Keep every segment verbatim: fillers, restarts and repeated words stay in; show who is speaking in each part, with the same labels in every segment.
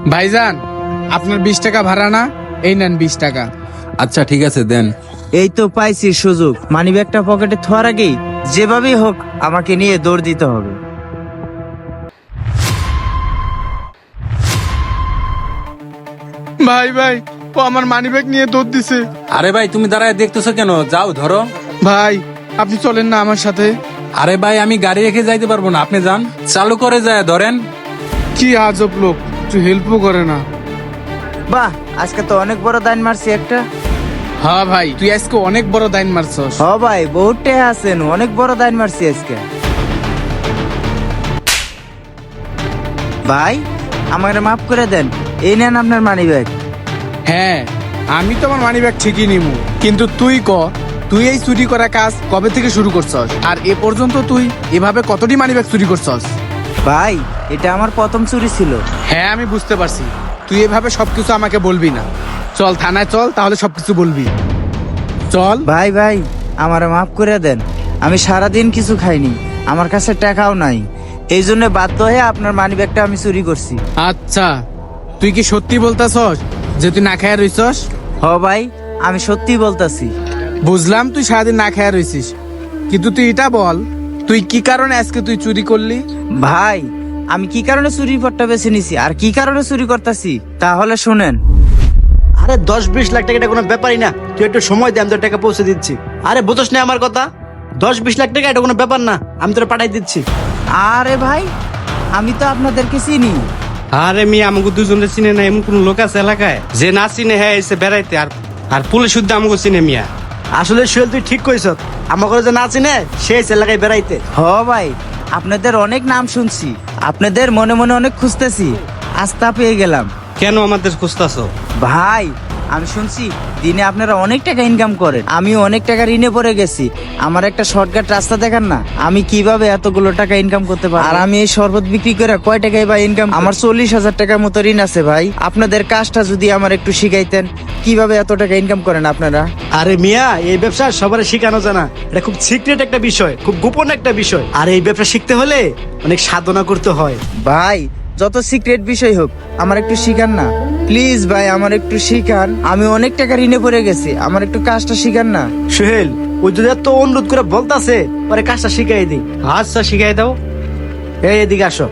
Speaker 1: ভাইজান, আপনার বিশ টাকা ভাড়া না, এই নেন বিশ টাকা।
Speaker 2: আচ্ছা ঠিক আছে দেন।
Speaker 3: এই তো পাইছি সুযোগ, মানিব্যাগটা পকেটে থোয়ার আগেই যেভাবেই হোক আমাকে নিয়ে দৌড় দিতে হবে।
Speaker 1: ভাই ভাই, ও আমার মানিব্যাগ নিয়ে দৌড় দিছে।
Speaker 2: আরে ভাই তুমি দাঁড়ায় দেখতেছো কেন? যাও ধরো।
Speaker 1: ভাই আপনি চলেন না আমার সাথে।
Speaker 2: আরে ভাই আমি গাড়ি রেখে যাইতে পারবো না, আপনি যান। চালু করে যায় ধরেন।
Speaker 1: কি আজব লোক, একটু হেল্পও করে না।
Speaker 3: বাহ, আজকে তো অনেক বড় দান মারছি একটা।
Speaker 1: হ্যাঁ ভাই, তুই আজকে অনেক বড় দাইন মারছস।
Speaker 3: হ ভাই, বহুত টেহা আছেন, অনেক বড় দান মারছি আজকে। ভাই আমাকে মাফ করে দেন, এই নেন আপনার মানিব্যাগ।
Speaker 1: হ্যাঁ, আমি তো আমার মানিব্যাগ ঠিকই নিমু, কিন্তু তুই ক, তুই এই চুরি করা কাজ কবে থেকে শুরু করছস? আর এ পর্যন্ত তুই এভাবে কতটি মানিব্যাগ চুরি করছস?
Speaker 3: ভাই এটা আমার প্রথম চুরি ছিল।
Speaker 1: হ্যাঁ আমি বুঝতে পারছি, তুই এভাবে সবকিছু আমাকে বলবি না। চল থানায় চল, তাহলে সবকিছু বলবি। চল।
Speaker 3: ভাই ভাই আমারে মাফ করে দেন, আমি সারাদিন কিছু খাইনি, আমার কাছে টাকাও নাই, এই জন্য বাধ্য হয়ে আপনার মানিব্যাগটা আমি চুরি করছি।
Speaker 1: আচ্ছা, তুই কি সত্যি বলতাছস যে তুই না খায়া রইছস?
Speaker 3: হ ভাই, আমি সত্যি বলতাছি।
Speaker 1: বুঝলাম তুই সারাদিন না খায়া রইছিস, কিন্তু তুই এটা বল, তুই কি কারণে আজকে তুই চুরি করলি?
Speaker 3: ভাই আমি কি কারণে চুরি পট্টা বেছে নিছি আর কি কারণে চুরি করতেছি তাহলে শুনেন।
Speaker 4: আরে দশ বিশ লাখ টাকা এটা কোনো ব্যাপারই না, তুই একটু সময় দে, আমি তোর টাকা পৌঁছে দিচ্ছি। আরে বুঝোস না আমার কথা? দশ বিশ লাখ টাকা এটা কোনো ব্যাপার না, আমি তোর পাঠাই দিচ্ছি।
Speaker 3: আরে ভাই আমি তো আপনাদেরকে চিনি।
Speaker 5: আরে মিয়া আমাকে দুজনে চিনে না এমন কোন লোক আছে এলাকায় যে না চিনে হ্যাঁ এসে বেড়াইতে? আর আর পুলিশ শুদ্ধ আমাকে চিনে মিয়া।
Speaker 4: আসলে সোহেল তুই ঠিক কইছ, আমার ঘরে যে না চিনে সে এসে এলাকায় বেড়াইতে।
Speaker 3: হ ভাই, আপনাদের অনেক নাম শুনছি, আপনাদের মনে মনে অনেক খুঁজতেছি, আস্থা পেয়ে গেলাম।
Speaker 5: কেন আমাদের খুঁজতাছো?
Speaker 3: ভাই আমি শুনছি দিনে আপনারা অনেক টাকা ইনকাম করেন, আমি অনেক টাকা ঋণে পড়ে গেছি, আমার একটা শর্টকাট রাস্তা দেখান না, আমি কিভাবে এতগুলো টাকা ইনকাম করতে পারি? আর আমি এই শরবত বিক্রি করে কয় টাকায় বা ইনকাম? আমার চল্লিশ হাজার টাকার মতো ঋণ আছে ভাই, আপনাদের কাজটা যদি আমার একটু শিখাইতেন, কিভাবে এত টাকা ইনকাম করেন আপনারা?
Speaker 4: আরে মিয়া, এই ব্যবসা সবার শেখানো জানা, এটা খুব সিক্রেট একটা বিষয়, খুব গোপন একটা বিষয়। আর এই ব্যবসা শিখতে হলে অনেক সাধনা করতে হয়।
Speaker 3: ভাই যত সিক্রেট বিষয় হোক আমার একটু শিখান না প্লিজ ভাই, আমার একটু শিখান, আমি অনেক টাকা ঋণে পড়ে গেছি, আমার একটু কাজটা শিখান না।
Speaker 4: সোহেল ওই যদি এত অনুরোধ করে বলতাছে, পরে কাজটা শিখাই দিই।
Speaker 5: আচ্ছা শিখাই দাও।
Speaker 4: এই এদিকে আসো।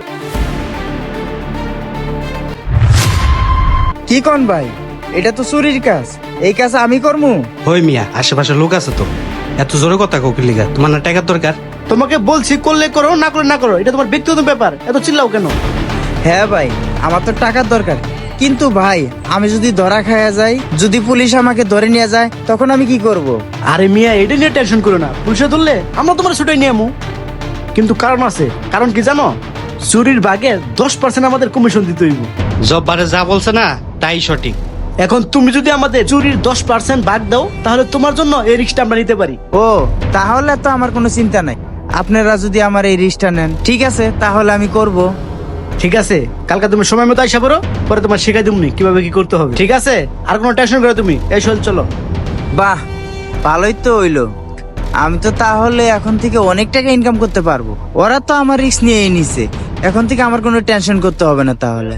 Speaker 3: কি কোন ভাই, এটা তো চুরির কাজ, এই কাজ আমি করবো?
Speaker 5: হই মিয়া, আশেপাশে লোক আছে তো, এত জোরে কথা কোকিল লিগা? তোমার না টাকার দরকার?
Speaker 4: তোমাকে বলছি করলে করো, না করলে না করো, এটা তোমার ব্যক্তিগত ব্যাপার, এত চিল্লাও কেন?
Speaker 3: হ্যাঁ ভাই আমার তো টাকার দরকার, কিন্তু ভাই আমি যদি ধরা খায়া যাই, যদি পুলিশ আমাকে ধরে নিয়ে যায়, তখন আমি কি করব?
Speaker 4: আরে মিয়া এটা নিয়ে টেনশন করো না, পুলিশে ধরলে আমরা তোমার ছুটে নিয়ে আমু। কিন্তু কারণ আছে, কারণ কি জানো? চুরির ভাগের দশ পার্সেন্ট আমাদের কমিশন দিতে হইব।
Speaker 5: জব্বারে যা বলছে না তাই সঠিক।
Speaker 4: এখন তুমি যদি আমাদের চুরির দশ পার্সেন্ট ভাগ দাও, তাহলে তোমার জন্য এই রিস্কটা আমরা নিতে পারি।
Speaker 3: ও তাহলে তো আমার কোনো চিন্তা নাই, আপনারা যদি আমার এই রিস্কটা নেন, ঠিক আছে তাহলে আমি করব।
Speaker 4: ঠিক আছে, কালকে তুমি সময় মতো আইসা পড়ো, পরে তোমার শিখাই দিমনি কিভাবে কি করতে হবে, ঠিক আছে? আর কোনো টেনশন করো তুমি, এই সোহেল চলো।
Speaker 3: বাহ ভালোই তো হইলো, আমি তো তাহলে এখন থেকে অনেক টাকা ইনকাম করতে পারবো। ওরা তো আমার রিস্ক নিয়েই নিছে, এখন থেকে আমার কোনো টেনশন করতে হবে না। তাহলে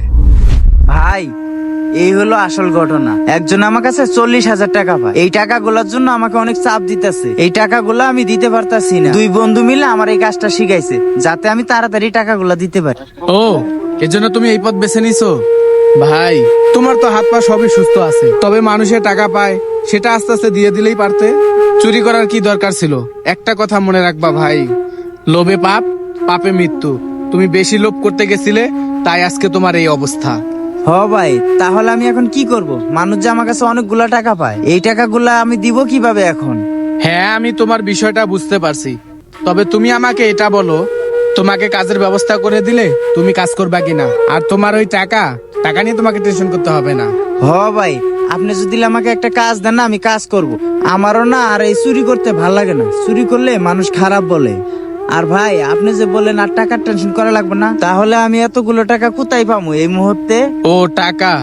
Speaker 3: ভাই এই হলো আসল ঘটনা, একজন আমার কাছে চল্লিশ হাজার টাকা পায়, এই টাকাগুলোর জন্য আমাকে অনেক চাপ দিতেছে, এই টাকাগুলো আমি দিতে পারতাছি না। দুই বন্ধু মিলে আমার এই কাজটা শিখাইছে যাতে আমি তাড়াতাড়ি টাকাগুলো দিতে পারি।
Speaker 1: ও, এজন্য তুমি এই পথ বেছে নিছো? ভাই তোমার তো হাত পা সবই সুস্থ আছে, তবে মানুষের টাকা পায় সেটা আস্তে আস্তে দিয়ে দিলেই পারতে। চুরি করার কি দরকার ছিল? একটা কথা মনে রাখবা ভাই, লোভে পাপ, পাপে মৃত্যু। তুমি বেশি লোভ করতে গেছিলে, তাই আজকে তোমার এই অবস্থা।
Speaker 3: হ ভাই, তাহলে আমি এখন কি করব? মানুষ যে আমার কাছে অনেকগুলা টাকা পায়, এই টাকাগুলা আমি দিব কিভাবে এখন?
Speaker 1: হ্যাঁ আমি তোমার বিষয়টা বুঝতে পারছি, তবে তুমি আমাকে এটা বলো, তোমাকে কাজের ব্যবস্থা করে দিলে তুমি কাজ করবা কিনা? আর তোমার ওই টাকা টাকা নিয়ে তোমাকে টেনশন করতে হবে না।
Speaker 3: হ ভাই, আপনি যদি আমাকে একটা কাজ দেন না, আমি কাজ করব। আমারও না আর এই চুরি করতে ভাল লাগে না, চুরি করলে মানুষ খারাপ বলে। আর ভাই আপনি যে বলেন আর টাকার টেনশন করা লাগবে না, তাহলে আমি এতগুলো টাকা কোথায় পাবো এই মুহূর্তে?
Speaker 1: ও টাকা,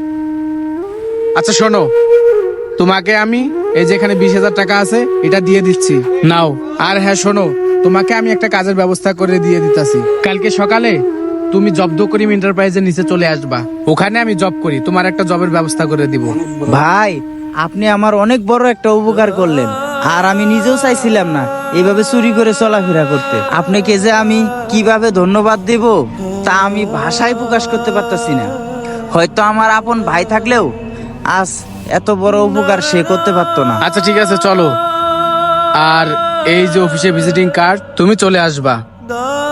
Speaker 1: আচ্ছা শোনো, তোমাকে আমি এই যেখানে বিশ হাজার টাকা আছে এটা দিয়ে দিচ্ছি, নাও। আর হ্যাঁ শোনো, তোমাকে আমি একটা কাজের ব্যবস্থা করে দিয়ে দিতেছি, কালকে সকালে তুমি জব্দ করিম এন্টারপ্রাইজের নিচে চলে আসবা। ওখানে আমি জব করি, তোমার একটা জবের ব্যবস্থা করে দিব।
Speaker 3: ভাই আপনি আমার অনেক বড় একটা উপকার করলেন, আর আমি নিজেও চাইছিলাম না এইভাবে চুরি করে চলাফেরা করতে। আপনাকে যে আমি কিভাবে ধন্যবাদ দেব তা আমি ভাষায় প্রকাশ করতে পারতাছি না। হয়তো আমার আপন ভাই থাকলেও আজ এত বড় উপকার সে করতে পারতো না।
Speaker 1: আচ্ছা ঠিক আছে, চলো। আর এই যে অফিসে ভিজিটিং কার্ড, তুমি চলে আসবা।